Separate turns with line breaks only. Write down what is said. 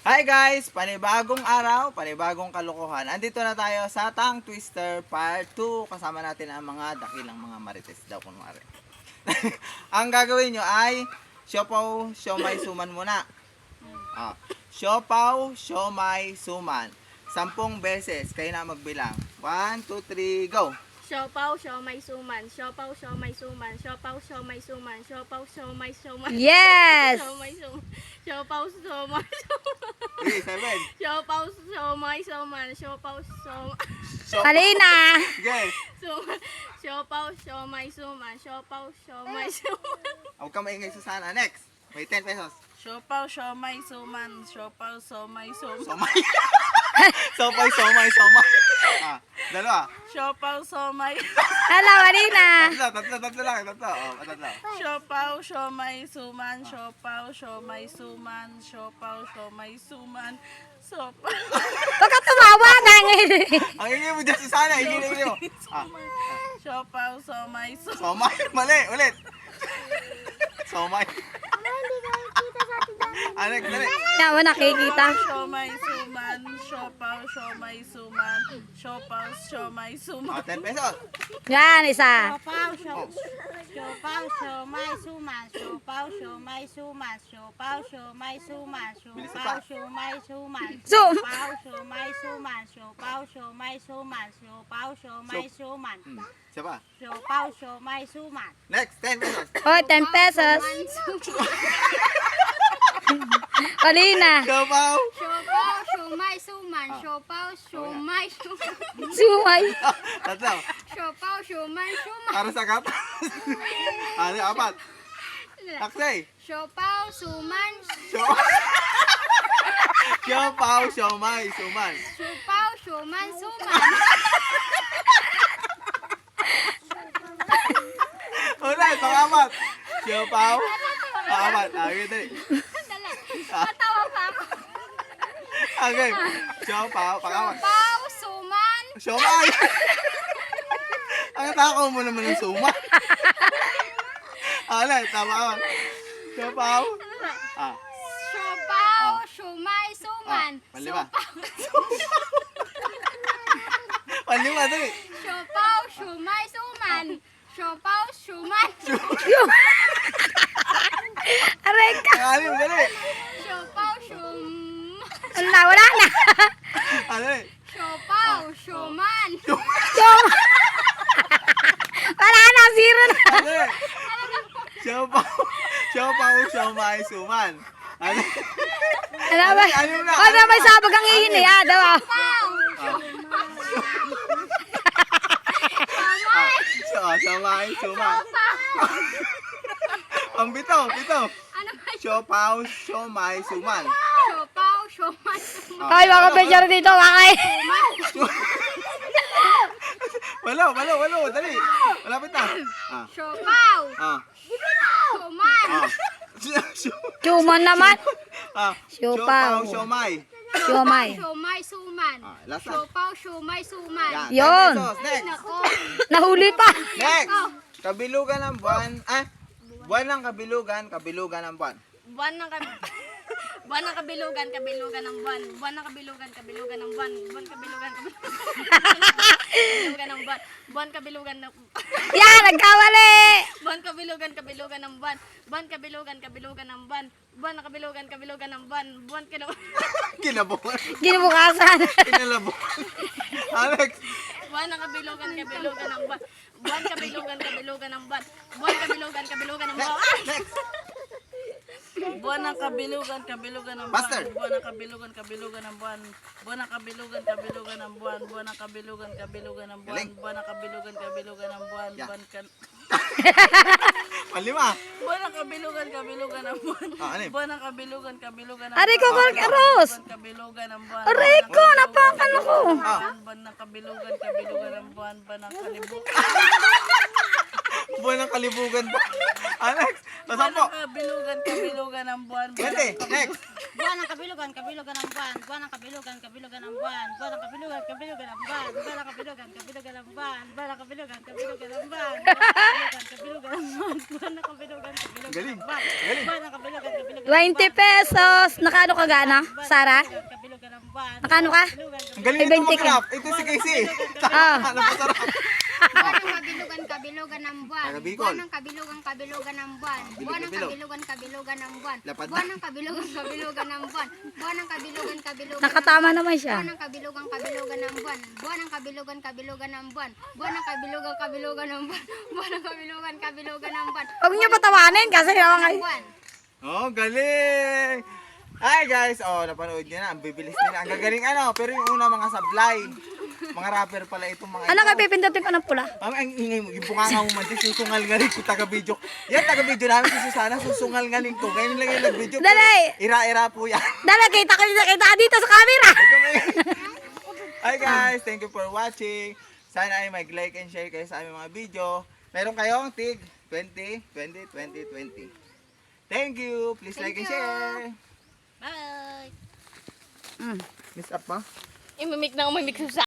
Hi guys! Panibagong araw, panibagong kalokohan. Andito na tayo sa Tongue Twister Part 2. Kasama natin ang mga dakilang mga marites daw kunwari. Ang gagawin nyo ay siopaw, siomay, suman muna. Siopaw, siomay, suman. 10 beses. Kayo na magbilang. 1, 2, 3, go!
Siopaw, siomay, suman. Siopaw, siomay, suman. Siopaw, siomay, suman. Siopaw, siomay, suman.
Yes!
Siomay, suman. Siopaw, siomay, suman.
Okay, 7.
Siopaw, siomay, suman. Siopaw, siomay,
Alina!
Okay.
suman. Siopaw, siomay, suman. Siopaw, siomay, suman.
Huwag ka maingay Susana. Next. May 10 pesos.
Siopaw, siomay, suman. Siopaw, siomay, suman.
Somay. Sopay, somay, somay. Dalawa.
Siopaw, siomay.
Hello, Alina!
Tatlo lang. Tatlo.
Siopaw, siomay, suman. Siopaw, siomay, suman. Siopaw, siomay, suman. Siopaw.
Huwag ka tumawa na ngayon.
Ang ingay mo dyan, Susana. Ingay mo.
Siopaw, siomay, suman.
Somay. Mali. Ulit. Somay. Next, dali.
Yawa nakikita.
Siomay, suman. Siopaw, siomay, suman. Siopaw, siomay, suman.
10 pesos.
Yan, isa.
Siopaw, siomay, suman. Siopaw, siomay, suman. Siopaw, siomay, suman. Siopaw, siomay, suman.
Sum.
Siopaw, siomay, suman. Siopaw, siomay, suman. Siopaw, siomay, suman.
Siya pa.
Siopaw, siomay, suman.
Next, 10 pesos.
Oh, 10 pesos. Alina.
Siopaw.
Siopaw, siomay, suman. Siopaw, siomay, suman.
Sumay.
Tatlo.
Siopaw, siomay, suman.
Para sa kat. Apat. Taksay.
Siopaw, suman.
Siopaw, siomay, suman.
Siopaw, siomay, suman.
Ulit, pang-apat. Siopaw. Pang-apat. Okay, dali.
Matawa pa ako.
Okay. Siopaw, pang-apat.
Siopaw, suman.
Siomay. Ang takaw mo naman ng suma. Ulit, tama. Siopaw.
Siopaw, siomay, suman.
Panlima. Panlima, dali.
Siopaw, siomay, suman. Siopaw, siomay.
Aray ka.
Pangalim, dali.
Siopaw, siomay.
Wala na.
Dali.
Siopaw, siomay.
Sum. Wala na, zero na.
Dali. Siopaw. Siopaw, siomay, suman. Dali.
Ano ba?
Ano na?
Oh, may sabag ang ihin eh. Daw.
Siomay, suman. Ang bito.
Ano ba?
Siopaw, siomay, suman.
Siopaw, siomay, suman.
Ay, mga picture dito. Wakay.
Walo. Dali. Malapit na.
Siopaw, suman.
Suman naman.
Siopaw,
Siopaw.
siomay.
Siomay.
Siomay, suman.
Last na.
Siopaw, siomay, suman.
Yun.
10 pesos. Next.
Nako.
Nahuli pa.
Next. Kabilugan ng buwan. Buwan ng kabilugan ng buwan.
Buwan ng buwan ng kabilugan, kabilugan ng buwan. Buwan ng kabilugan, kabilugan ng buwan. Buwan kabilugan, kabilugan ng buwan. Buwan kabilugan ng
Yan, nagkawali.
buwan kabilugan, kabilugan ng buwan. Buwan kabilugan, kabilugan ng buwan. Buwan ng kabilugan, kabilugan ng buwan. Buwan kabilugan.
Kinabukan.
Ginubukasan.
Kinalabukan. Alex.
Buwan ng kabilugan, kabilugan ng buwan. Buwan kabilugan, kabilugan ng buwan. Buwan kabilugan, kabilugan ng buwan.
Next.
Buwan ng kabilugan, kabilugan ng buwan.
Faster.
Buwan ng kabilugan, kabilugan ng buwan. Buwan ng kabilugan, kabilugan ng buwan. Buwan ng kabilugan, kabilugan ng buwan.
Galing.
Buwan ng kabilugan, kabilugan ng buwan.
Yeah.
Buwan
Panlima.
Buwan ng kabilugan, kabilugan ng buwan.
Ano yun?
Buwan ng kabilugan, kabilugan ng
Aray ko,
buwan.
Aros.
Buwan kabilugan ng buwan.
Aray ko, napakan ako.
Buwan ng kabilugan, kabilugan ng buwan. Buwan ng kalibugan.
Buwan ng kalibugan ba? Alex.
Buwan
Nasampo.
ng kabilugan, kabilugan ng buwan.
Pwede. Next.
Buwan ng kabilugan, kabilugan ng buwan. Buwan ng kabilugan, kabilugan ng buwan. Buwan ng kabilugan, kabilugan ng buwan. Buwan ng kabilugan, kabilugan ng buwan. Buwan ng kabilugan, kabilugan ng buwan. Buwan ng kabilugan, kabilugan ng buwan. Buwan ng kabilugan, kabilugan ng buwan.
Galing.
Buwan ng kabilugan, kabilugan
20 pesos. Nakano ka gana, Sara?
Kabilugan ng buwan.
Nakano ka?
Ang galing
Ay,
nito
20 ka.
mag-rap. Ito si Casey.
Ah.
Napasarap.
Buwan ng kabilugan, kabilugan ng buwan.
Taga Bicol.
Buwan ng kabilugan, kabilugan ng buwan. Buwan ng
Bilog.
kabilugan, kabilugan ng buwan.
Lapad na.
Buwan ng kabilugan, kabilugan ng buwan. Buwan ng kabilugan, kabilugan ng
Nakatama
buwan.
naman siya.
Buwan ng kabilugan, kabilugan ng buwan. Buwan ng kabilugan, kabilugan ng buwan. Buwan ng kabilugan, kabilugan ng buwan. Buwan ng kabilugan, kabilugan ng buwan.
Huwag niyo patawanin kasi naman kayo.
Buwan.
Oh, galing! Ay guys, oh, napanood nyo na. Ang bibilis nila. Ang gagaling ano. Pero yung una mga sablay. Mga rapper pala itong mga
Ano
ito.
ka pipindutin ko ng pula?
Ang ingay mo. Yung bunganga mo man. Susungal ngaling ko taga-video. Yan, taga-video namin si Susana. Susungal ngaling ko. Ngayon lang yung nag-video. pero
Dali!
Ira-ira po yan.
Dala, kita ka dito sa camera.
Ito may... Hi guys, thank you for watching. Sana ay mag-like and share kayo sa aming mga video. Meron kayong tig 20, 20, 20, 20. Thank you. Please like and share.
Bye!
Miss up pa?
Imimik na umimik sa